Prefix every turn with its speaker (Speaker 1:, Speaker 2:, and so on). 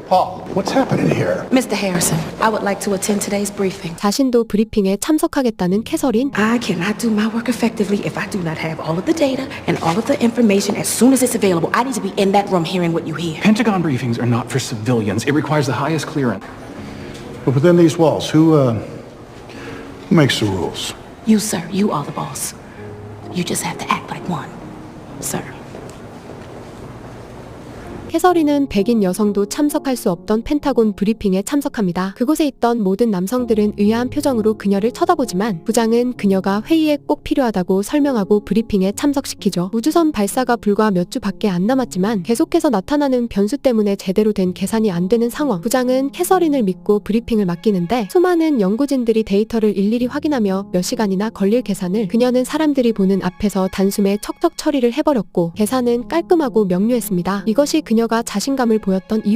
Speaker 1: Paul, what's happening here?
Speaker 2: Mr. Harrison, I would like to attend today's briefing.
Speaker 3: 자신도 브리핑에 참석하겠다는 캐서린.
Speaker 2: I cannot do my work effectively if I do not have all of the data and all of the information as soon as it's available. I need to be in that room hearing what you hear.
Speaker 4: Pentagon briefings are not for civilians. It requires the highest clearance.
Speaker 1: But within these walls, who makes the rules?
Speaker 2: You, sir, you are the boss. You just have to act like one, sir.
Speaker 3: 캐서린은 백인 여성도 참석할 수 없던 펜타곤 브리핑에 참석합니다. 그곳에 있던 모든 남성들은 의아한 표정으로 그녀를 쳐다보지만 부장은 그녀가 회의에 꼭 필요하다고 설명하고 브리핑에 참석시키죠. 우주선 발사가 불과 몇 주밖에 안 남았지만 계속해서 나타나는 변수 때문에 제대로 된 계산이 안 되는 상황. 부장은 캐서린을 믿고 브리핑을 맡기는데 수많은 연구진들이 데이터를 일일이 확인하며 몇 시간이나 걸릴 계산을 그녀는 사람들이 보는 앞에서 단숨에 척척 처리를 해버렸고 계산은 깔끔하고 명료했습니다. 이것이 그녀가 자신감을 보였던 이유